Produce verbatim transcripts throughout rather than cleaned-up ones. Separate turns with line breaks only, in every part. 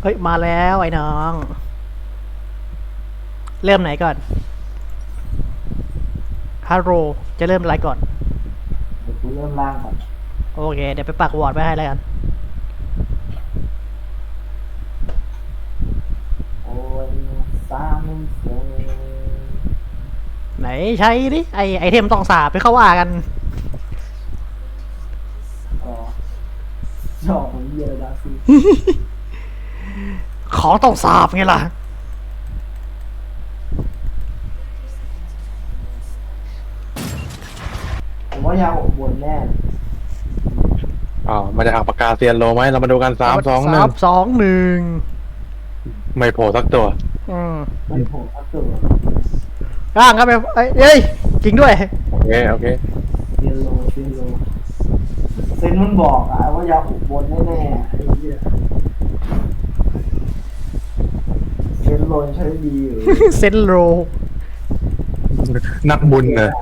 เฮ้ยมาแล้วไอ้น้อง เริ่มไหนก่อนฮัลโหลจะเริ่มอะไรก่อน
เดี๋ยวกูเริ่มล่างก่อน
โอเค เดี๋ยวไปปักวอร์ดไว้ให้แล้วกัน
โอ้ยสามเสียง
ไหนใช้ดิไอไอเทมต้องสาบไปเข้าว่ากัน
อ๋อจอกของเยียร์ดาซี
ของต้องสาบไงล่ะ
ผมว่ายาอบวนแน่
อ๋อมาจากอ่างปากกาเซียนโลไหมเรามาดูกันสามสองหนึ่ง
สามสองหนึ่ง
ไม่โผล่สักตัว
อืม
มันโผล่อัพตัว
ร่างครับไปเอ้ยเอ้ยจริงด้วย
โอเค โอเค
เซียนโลเซียนโลเซนมันบอกอะว่ายาอบบนแน่ๆไอ้เหี้ยเซนโลใช้ดีอยู่
เซนโร
นักบุญเนอะ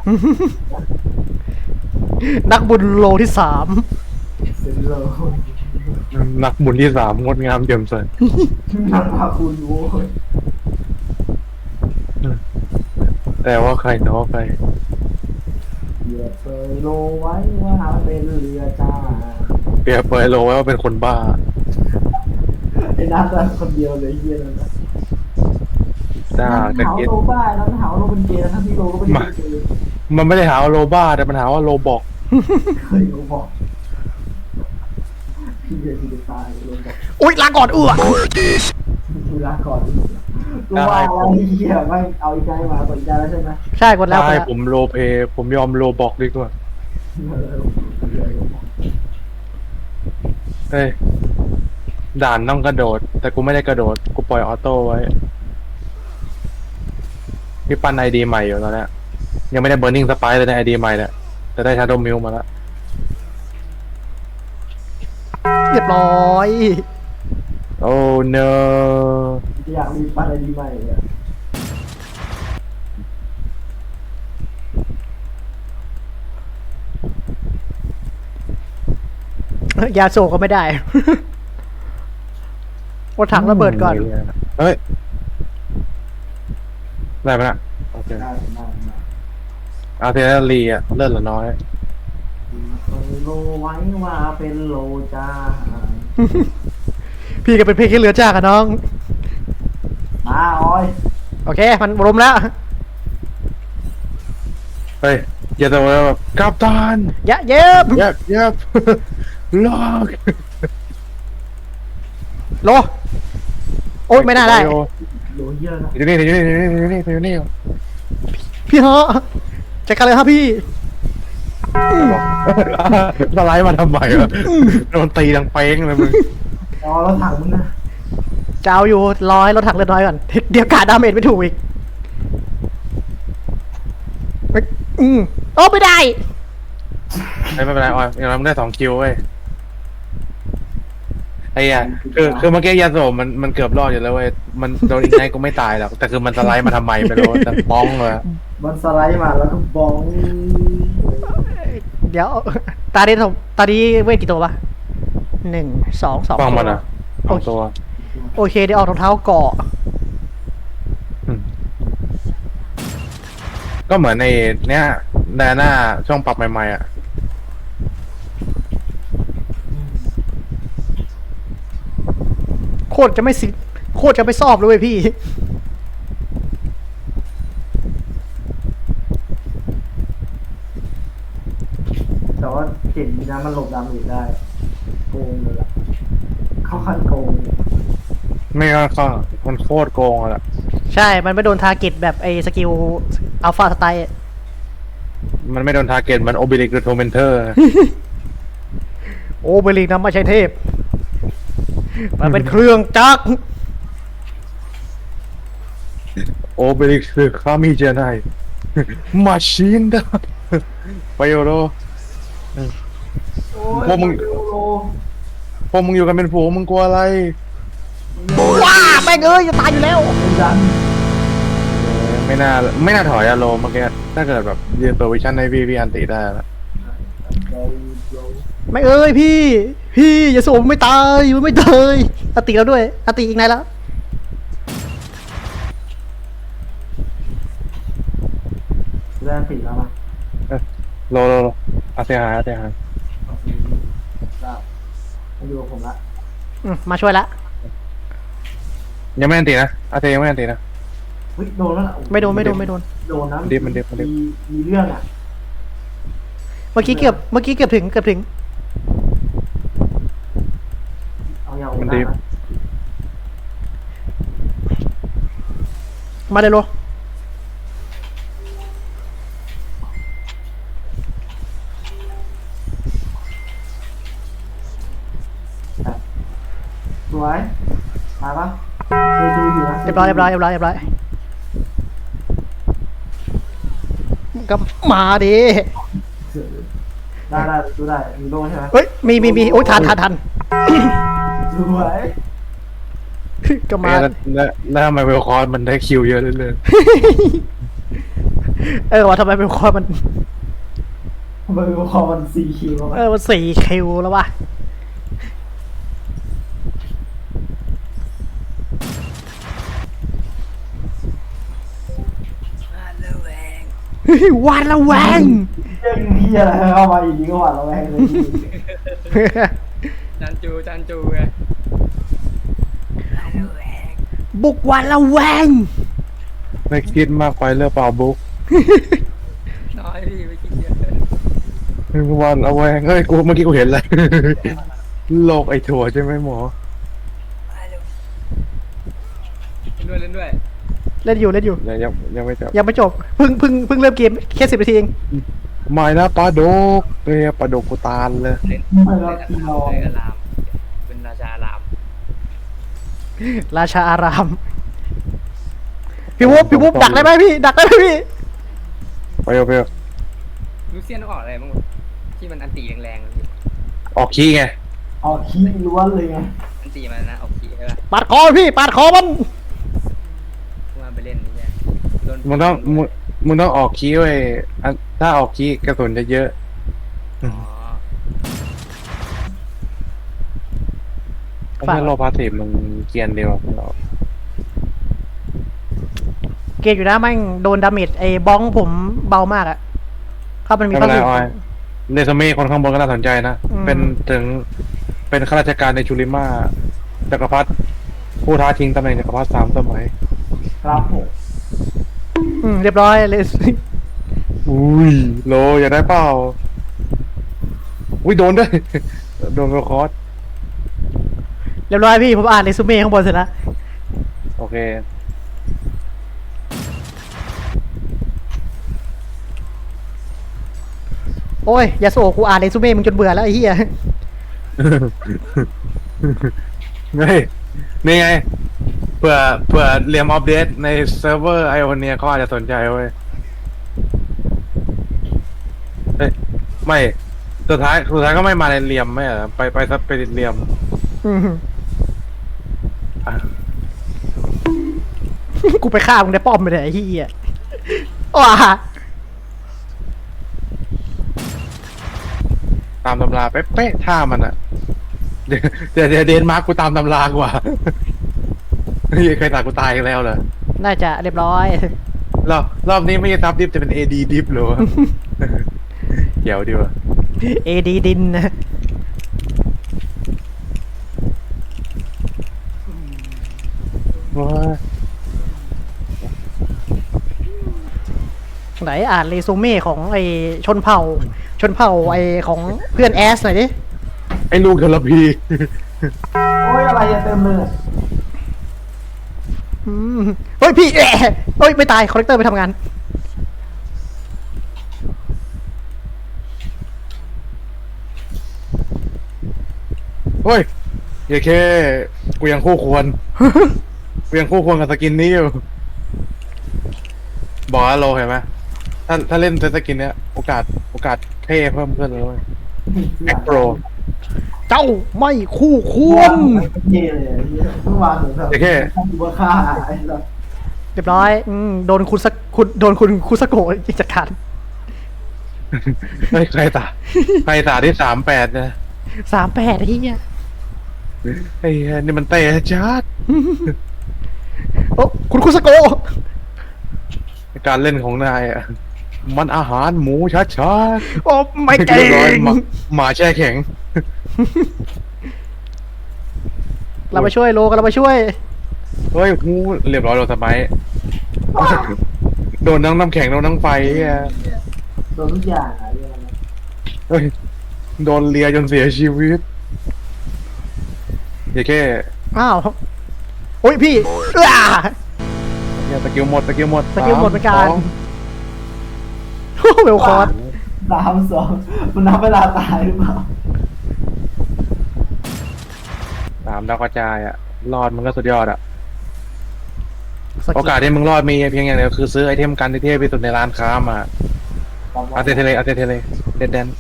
นักบุญโลที่สาม
เซนโล
นักบุญที่สามงดงามเยี่ยมสวย
นักพาคุณโว้ย
แต่ว่าใครแต่ว่าใคร
อย่าเปยโลไว้ว่าเป็นเรือจ้า
เปรียบเปรยโลไว้ว่าเป็นคนบ้า
ไอ้นัทอะคนเดียวเลยเฮียนั่นอะ
จ้า
มัน
กระ
หา
เก็ต
โลบ้าแล้วมันหาโลเป็นเกย์ทั้งที่โลก็ไม่ได้เป็นเกย์
มันไม่ได้หาว่าโลบ้าแต่มันหาว่าโลบอก
เคยโลบอกพี่เดียที่จะตายโลบอก
อุ้ยลาก่อนเอื้อ
เวลาก่อนกูว่าแล้วไอ้เฮียไม่เอาอีกใจมาสนใจแล้วใช่ไหม
ใช่กดแล้วกด
ใช่
แล้ว
ผมโลเพย์ผมยอมโลบอกดีกว่า
เออเดี๋ยวโลบอก
เฮ้ยด่านต้องกระโดด แต่กูไม่ได้กระโดด กูปล่อยออโต้ไว้พี่ปั้นไอดีใหม่อยู่ตอนเนี้ยยังไม่ได้เบ r ร์นิ่งสไปร์เลยในไอดีใหม่เนี่ยแต่ได้ชาโดว์มิลมาแล้ว
เรียบร้อย
โอ้ no
อยากมีปั้นอะไรดีใหม่เนี่ย
ยาโซก็ไม่ได้ วดถังระเบิดก่อน
เฮ้ย ได้ไหมนะโอเค
ได้ได้ได้
อาร์เทอรีอะเลื่อนเหลือน้อย
เคยโลไว้ว่าเป็นโลจ้า
พี่ก็เป็นเพลงแค่เหลือจ้ากับน้อง
มาออย
โอเค มันรวมแล้ว
เฮ้ย อย่าแต่ว่าแบบกัปตัน
ยะเย็บ
เย็บเย็บ ล็อก
โล โอ๊ยไม่น่าได้
โลเยอะนะ
อยู่นี่อยู่นี่อยู่นี่อยู่นี่อยู่นี่
พี่ฮะจัดการเลยครับพี่
สไลด์มาทำไมวะโดนตีดังเป้งเลยมึง
อ๋อแล้วถังมึงนะ
จะเอาอยู่ร้อยรถถังเรือน้อยก่อน เดี๋ยวกาดดาเมจไม่ถูกอีกเฮ้ยอืมโอ้ไม่ได้
ไม่เป็นไรออยอย่างน้อยมึงได้สองคิวเว้ยไอ้เหี้ยคือคือเมื่อกี้ยาโสมมันมันเกือบรอดอยู่แล้วเว้ยมันโดนอีกไงก็ไม่ตายหรอกแต่คือมันสไลด์มาทำไมไม่รู้แต่ป้องเลย
มันสไลด์มาแล้วก็บอง
เดี๋ยว ตาดีผมตาดีเวทกี่ตัววะหนึ่งสองสอง
ป้อง
ตัว
มันอ่ะสองตัว
โอเคเดี๋ยวออกรองเท้าเกาะ
อืมก็เหมือนในเนี้ยแดน่าช่วงปรับใหม่ๆอ่ะ
โคตรจะไม่สิโคตรจะไม่ซอบเลยเว้ยพี่
แต่ว่าเก่งดีนะมันหลบดาเมจได้โกงเลยล่ะเข้าขั้นโกง
ไม่ก็ก็มันโคตรโกงอ่ะ
ใช่ มันไม่โดนทาร์เก็ตแบบไอ้สกิลอัลฟาสไตล์
มันไม่โดนทาร์เก็ตมันโอบิลิกหรือโทเมนเทอร์
โอ้เบลิงนะไม่ใช่เทพ มันเป็นเครื่องจักร
โอบิลิกคือคามิเจไนมาชินดาไปโยโร
โอ้ย
พวกมึง
โล
พวกมึงอยู่กันเป็นฝูงมึงกลัวอะไร
ว้าแม่งเอ้ยจะตายอยู่แล้ว
เป็นดัน
ไม่น่าไม่น่าถอยอะโลเมื่อกี้ถ้าเกิดแบบยืนตัววิชั่นในวีวีอันติได้แล้ว
โลโล
ไม่เอ้ยพี่ พี่อย่าโสมไม่ตายมันไม่ตายอติแล้วด้วยอติอีกไหนแล้ว
เริ่มติดแล้วนะ
โลโลโลอาเซียหายอาเซียหาย
โอเคได้มาอยู่กับผมละ
อืมมาช่วยละ
ยังไม่อันตีนะอาเซียยังไม่อันตีนะ
เฮ้ยโดนแล้วนะ
ไม่โดนไม่โดนไม่โดน
โดนนะ
มันดิบมันดิบมันดิบ
มีมีเรื่องอ่ะ
เมื่อกี้เกือบเมื่อกี้เกือบถึงเกือบถึง
เอาอย่าง
มันดิบ
นะ
มาเลยโล
สวยมาปะเคยดูอยู่นะ
เรียบร้อยเรียบร้อยเรียบร้อยเรียบร้อยก็มาดิ
ได้ได้ดูได้มีโล่ใช่ไหม
เฮ้ยมีมีมีโอ้ยทันทันทัน
สวย
ก็มา
แล้วแล้วแล้วทำไมเวลคอร์สมันได้คิวเยอะเรื่อย
เออว่าทำไมเป็นคอมัน
มันพอมันซีคิว
เออมันสี่คิวแล้ววะวานละแวง
เรื่องนี้อะไรเข้ามาอีกทีก็หวาดระแวงเลย
จันจูจันจูไง
บุกวานละแวง
ๆไม่คิดมากไปเรื่องเปล่าบุ๊ก
น้อยพี่ไม่คิดเยอะ
วันเอาแวงเฮ้ยกูเมื่อกี้กูเห็นเลย โลกไอ้ถั่วใช่ไหมหมอ
เล่นด้วยเล่นด้วย
เล่นอยู่เล่นอยู่
ยังยังยังไม่จบ
ยังไม่จบเพิ่งเพิ่งเพิ่งเริ่มเกมแค่สิบนาทีเอง
ไม่นะปลาดกเฮ้ยปลาดกกูตาลเลย
เล่น
ไม่
เล่
รับ
น
ที่นอ
เล่นอาราม เป็นราชาอาราม
ราชาอาราม พี่วุ๊บพี่วุ๊บดักได้ไหมพี่ ดักได้ไหมพี่
ไปเอาไปเอา
ลูเซียนต้องออกอะไรบ้างวะที่มันอันตีแรงๆพี่
ออกขี้ไง
ออกขี้ล้วนเลยไง
อันตีมันนะออกขีใช่ป่ะ
ปาดคอพี่ปาดคอมัน
พวกมันไปเล่นนี่เนี่ยโดน
มึงต้องมึงมึงต้องออกขี้ไว้ยอันถ้าออกขี้กระสุนจะเยอะ
อ๋อ
ไม่ใช่โลพาสซีฟมึงเกรียนเดียวเรา
เกมอยู่นะแม่งโดนดาเมจไอ้บ้องผมเบามากอะเขามันมี
ไม่เป็นไร
ข้อ
ออยเรซูเม่คนข้างบนก็น่าสนใจนะ
อืม
เป็นถึงเป็นข้าราชการในชูริมาจักรพรรดิผู้ท้าชิงตำแหน่งจักรพรรดิสามสมัย
ครับผม
อืมเรียบร้อยเลย
อุ้ยโลอยากได้เปล่าอุ้ยโดนด้วย โดนเวลคอร์ส
เรียบร้อยพี่ผมอ่านเรซูเม่ข้างบนเสร็จแล้ว
โอเค
โอ้ยยาโซกูอ่านเรซูเม่มึงจนเบื่อแล้วไอ้เหี้ย
เฮ้ยนี่ไงเผื่อเผื่อเรียมอัปเดตในเซิร์ฟเวอร์ไอโอเนียเขาอาจจะสนใจเว้ยเฮ้ยไม่สุดท้ายสุดท้ายก็ไม่มาในเรียมไม่เหรอไปไปซับไปเรียม
อืม
อ่ะ
กูไปฆ่ามึงได้ป้อมไปเลยไอ้เหี้ยว้า
ตามตำราเป๊ะๆท่ามันอะเดี๋ยวเดี๋ยวเดี๋ยวเดนมาร์กกูตามตำรากว่า เฮ้ยใครตากูตายอีกแล้วเหรอ
น่าจะเรียบร้อย
รอบรอบนี้ไม่ใช่ซับดิฟจะเป็นเอดีดิฟเหรอวะ เดี๋ยวดีวะ
เอดีดินนะ
ว้า
ไหนอ่านเรซูเม่ของไอ้ชนเผ่า ชนเผ่าไอ้ของเพื่อนแอสหน่อยดิ
ไอ้ลูกทรพี
โอ้ยอะไรอะเต็มเลย
อืมเฮ้ยพี่แอะเฮ้ยไม่ตายคอลเลกเตอร์ไปทำงาน
เฮ้ยอย่าแค่กูยังคู่ควร กูยังคู่ควรกับสกินนี้อยู่ บอกว่าโลเห็นไหมถ้าถ้าเล่นสกินเนี้ยโอกาสโอกาสเท่เพิ่มขึ้นเลยเว้ยแอคโปร
เจ้าไม่คู่ควร
เย่เลยเมื่อวานเหมือนแบบ
อย่าแค่
ทำบัวค่าไอ้แบบ
เรียบร้อยอืมโดนคุณสักคุณโดนคุณคุสโกะจัดการ
เฮ้ยใครตาใครตาที่สามแปดนะ
สามแปดที่เนี่ย
ไอ้เหี้ยนี่มันเตะจัด
โอ้คุณคุสโก
การเล่นของนายอ่ะมันอาหารหมูชัดชัด
โอ้ไม่เก่
เรียบร้อย
ง
หมาหมาแช่แข็ง
เรามาช่วยโลกันเรามาช่วย
เฮ้ยหูเรียบร้อยเราสบายโดนทั้งน้ำแข็งโดนทั้งไฟอ่ะ
โดนทุกอย่างอะเรื่องนั้น
เฮ้ยโดนเลียจนเสียชีวิตอย่าแค่
อ้าวโอ้ยพี่เอ้า
อย่าสกิลหมดสกิลหมด
สกิลหมดเหมือนกัน
สามสอง
โอ้เวลคอร์ส
สามสองมันนับเวลาตายหรือเปล่า
สามดาวกระจายอ่ะรอดมันก็สุดยอดอ่ะ
สกิล
โอกาสที่มึงรอดมีเพียงอย่างเดียวคือซื้อไอเทมกันที่เทพที่สุดในร้านค้ามาอาเตเทเลอาเตเทเลเดดแดน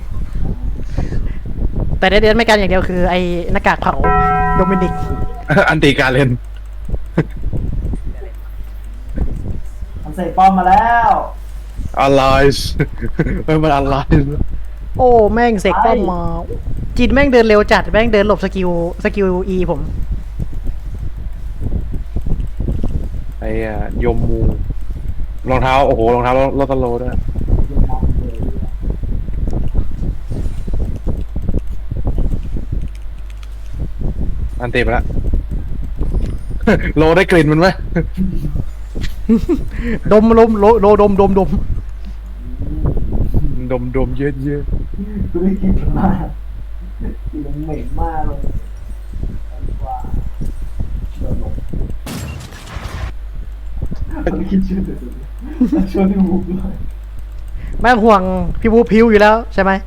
แต่เด่นๆไม่กันอย่างเดียวคือไอ้หน้ากากเผาโดมินิก
อันตีการเล่น
มันใส่ป้อมมาแล้ว
อะไรเฮ้ยมันอะไร
โอ้แม่งเสกป้อมมาจินแม่งเดินเร็วจัดแม่งเดินหลบสกิลสกิลอีผม
ไอ้อะยมมูรองเท้าโอ้โหรองเท้าโรตโลด้วย
ยังมองเลย
อันตีไปละ โลได้กลิ่นมันไหม
ดมลมโลโลดมดมดม
ดมดมเยอะเยอะ
กูได้กลินมันมากกลินมันเหม็นมากเลยดีกว่าเดินลงมันคิดชื่อเดี๋ยวช่วยพี่บุ๊กด้วย
แม่งห่วงพี่บูพิวอยู่แล้วใช่ไหม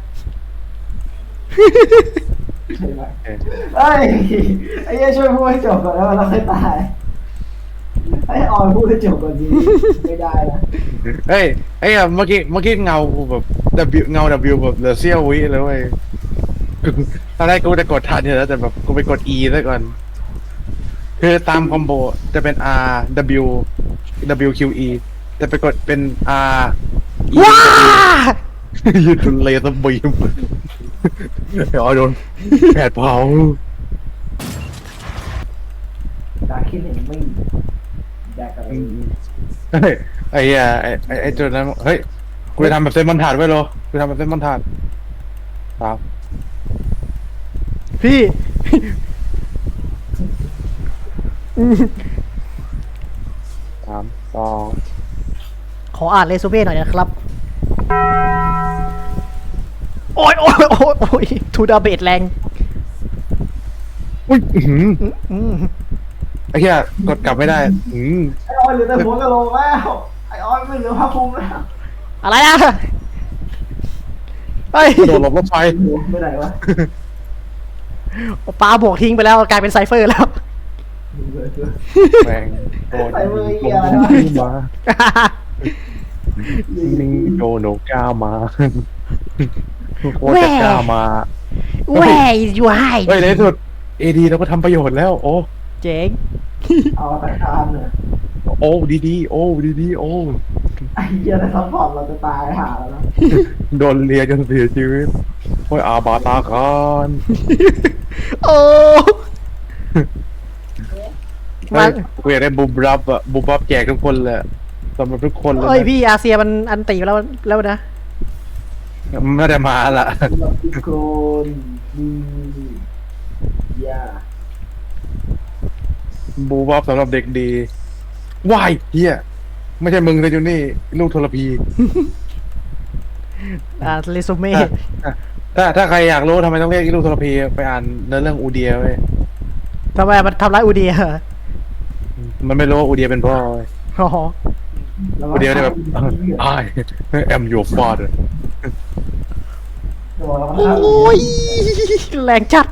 ใช่ไหมเอ้ยไอ้เหี้ยช่วยพูดให้จบก่อนแล้วเราค่อยตายให้ออยพูดให้จบก่อนดีไม่ได้นะ
เฮ้ยไอ้อะเมื่อกี้เมื่อกี้เงากูแบบ W เงา W แบบเหลือเสี้ยววิเลยเว้ยตอนแรกกูจะกดทันอยู่แล้วแต่แบบกูไปกด E ซะก่อน คือตามคอมโบจะเป็น R W W Q E แต่ไปกดเป็น R E
ว้า
ยืดเลเซอร์บีมเดี๋ยวโดนแผดเผา
ดาคิดเห็นไม่แดกอะไร
เฮ้ยไอ้เหี้ยไอ้ไอ้ไอ้จุดนั้นเฮ้ยกูจะทำแบบเส้นบรรทัดไว้โลกูทำแบบเส้นบรรทัดครับ
พี่
สามสอง
ขออ่านเรซูเม่หน่อยนะครับ โอ้ยโอ้ยโอ้ยโอ้ยทูดาเบตแรง
อุ้ยอื้อหือ
อืมอืม
ไอ้เหี้ยกดกลับไม่ได้อืม
ไอ้ออยเหลือแต่หัวกะโหลกแล้วไอ้ออยไม่เหลือผ้าคลุมแล้ว
อะไรอะเฮ้ย
โดดหลบรถไฟ
หัวไปไหนวะ
ปลาบวกทิ้งไปแล้วกลายเป็นไซเฟอร์แล้ว
แม่งโดน
ใส่มือ
ล
เหี้ย
ง
อะไรวะ
มานี่โดนโนก้ามาโคตรจะกล้ามา
Where is your
เฮ้ย
hide
ในที่สุดเอดีเราก็ทำประโยชน์แล้ว โอ้
เจ๋ง
เอาตะคานเนี่ย
โอ้ดีดีโอ้ดีดีโอ้
ไอ้เหี้ยถ้าซัพพอร์ตเราจะตายหาแล้วนะ
โดนเลียจนเสียชีวิตโอ้ยอาบาตาคาน
โอ้
เฮ้ยกูอยากได้บูบรับอะบูบับแจกทุกคนเลยสำหรับทุกคนเลย
เอ้ยพี่อาเซียมันอันตีไปแล้วแล้วนะ
ไม่ได้มาละ
เราทุกคนดีอย่า
บูบับสำหรับเด็กดีวายเฮียไม่ใช่มึงเลยจูนี่ลูกทรพี
อ่าเรซูเม่
ถ้าถ้าใครอยากรู้ทำไมต้องเรียกลูกทรพีไปอ่านเนื้อเรื่องอูเดียเว้ย
ทำไมมันทำร้ายอูเดีย
มันไม่รู้ว่าอูเดียเป็นพ่อเว้ย
อ๋อ
อูเดียเนี่ยแบบ I am your father
โอ้ยแรงจัด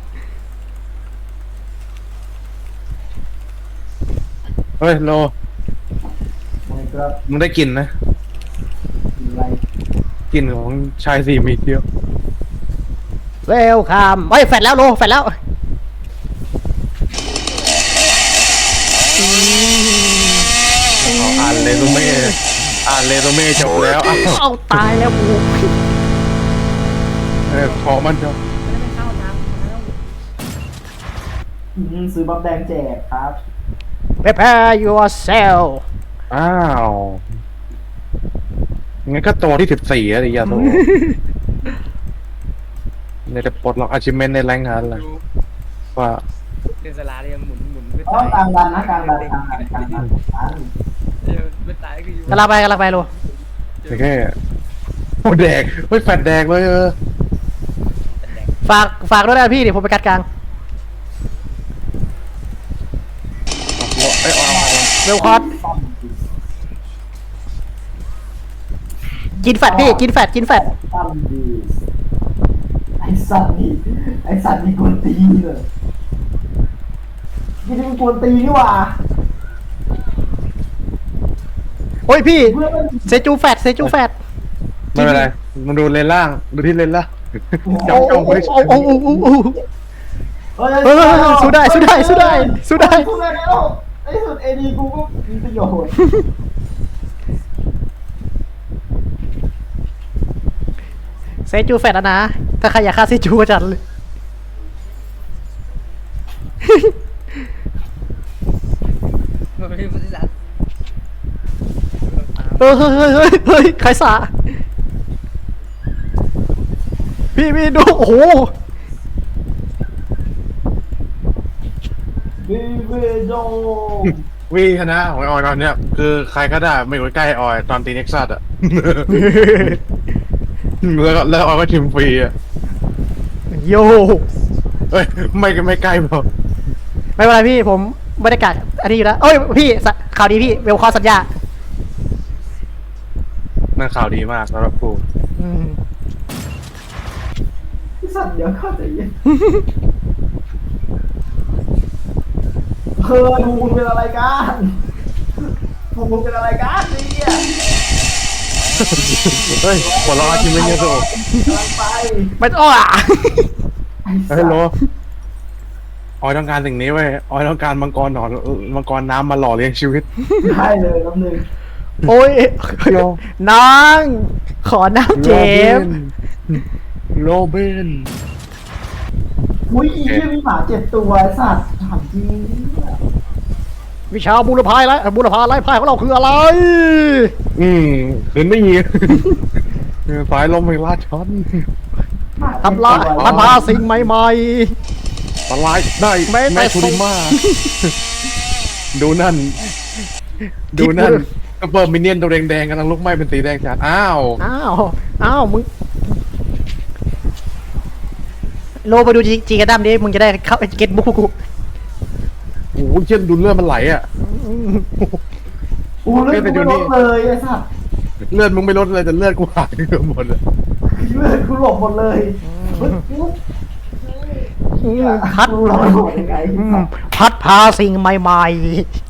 เฮ้ยโล
ไม่ครับ
มึงได้กลิ่นนะ
อะไร
กลิ่นของชายสี่มีเดียว
เวลคัมเฮ้ยแฟดแล้วโลแฟดแล้ว
อ่านเลยรู้ไหมอ่านเรซูเม่จบแล้วอ้าว
เอาตายแล้วกู
เออขอมันเถอะ
ไม่เข้าทางแล้ว
อืมซื้อบัฟแดงแจกครับ
prepare yourself
อ้าวงั้นก็ตัวที่สิบสี่แล้วดิยาโตเนี่ยจะปลดล็อก achievement ในแรงงานเลยว่า
เดินสลาเลยหมุนหมุนไม่
อ๋อ
ตาย
กลางดันนะกลางดันกลางดันกลางดันกลางดัน
เดี๋ยวไม่ตายก็อยู่
กำลังไปกำลังไปลู
แค่โอ้แดกเฮ้ยแฟดแดกเลยเออ
ฝากฝากด้วยนะพี่เดี๋ยวผมไปกัดกลาง
ไอ้ยออน
เวลคอร์สกินแฟตพี่กินแฟตกินแฟต
ตั้มดีไอ้สัตว์นี่ไอ้สัตว์นี่กวนตีนเลยนี่เป็นกวนตีนนี่หว่า
โอ้ยพี่
เพื่อนมัน
เซจูแฟตเซจูแฟต
ไม่เป็นไรมันดูเลนล่างดูที่เลนล่าง
โอ้
จ้อง
โอ้
จ้อง
โอ้
ไว้
โอ้โอ้โอ้โอ้
เฮ้ย
เฮ้ยสู้ได้สู้ได้สู้ได้สู้ได้
สู้ได้แล้วในที่สุดเอดีกูก็มีประโยชน์
เซจูแฟตแล้วนะ ถ้าใครอยากฆ่าเซจูก็จัดเลย
มันเป็นบริษัท
เฮ้ยเฮ้ยเฮ้ยเฮ้ยเฮ้ยใครสาพี่พี่ดูโอ้โห
บีเวโด
วีชนะของออยตอนเนี้ยคือใครก็ได้ไม่อยู่ใกล้ออยตอนตีเน็กซัสอ่ะ แล้วก็แล้วออยก็ชิมฟรีอ่ะ
โย
เอ้ยไม่ไม่ใกล้พอ
ไม่เป็นไรพี่ผมบรรยากาศอันนี้อยู่แล้วเอ้ยพี่สข่าวดีพี่เวลคอร์สัญญา
นั่นข่าวดีมากสำหรับกู
อืม
พี่สัตว์เดี๋ยวเข้าใจเย็นเออดูมึงเป็นอะไรกันดูมึงเป็นอะไรกันเนี่ย
เฮ้ยหัวเราะชิมไม่เงี้ยโต
กำลังไป
ไม่อ้อ
เฮ้ยโลออยต้องการสิ่งนี้เว้ยออยต้องการมังกรหนอนมังกรน้ำมาหล่อเลี้ยงชีวิต
ได้เลยน้ำหนึ่ง
โอ้ย
โย
น้องขอน้ำเจมส์
โรเบน
อุ้ยอีเหี้ยมีหมาเจ็ดตัวไอ้สัตว์ถามจริง
วิชาบูรพายไรบูรพาไล่พายของเราคืออะไร
อืมคืนไม่ยีสายลมไม่ลาดช้อน
หมา
ทำลาย
เจ็ดตัว
พัฒนาสิ่งใหม่
สลายได้
ไม่แต่
แม่คุริมาดูนั่น ดูนั่นก็เปิดมินเนี่ยนตัวแดงๆกำลังลุกไหม้เป็นสีแดงจัดอ้าว
ๆอ้าวอ้าวมึงโลไปดูจีจีกระดัมดิมึงจะได้เข้าเก็ตบุ๊กกู
โอ้โหเช่นดูเลือดมันไหลอ่ะ
โอ้เลือดกูไม่ลดเลยไอ้สัตว์
เลือดมึงไม่ลดเลยแต่เลือดกูหายเกือบหมดเลย
เลือดกูหลบหมดเลยเฮ้ยกู
พัด
กูหลบหมดยังไง
อืมพัดพาสิ่งใหม่ๆ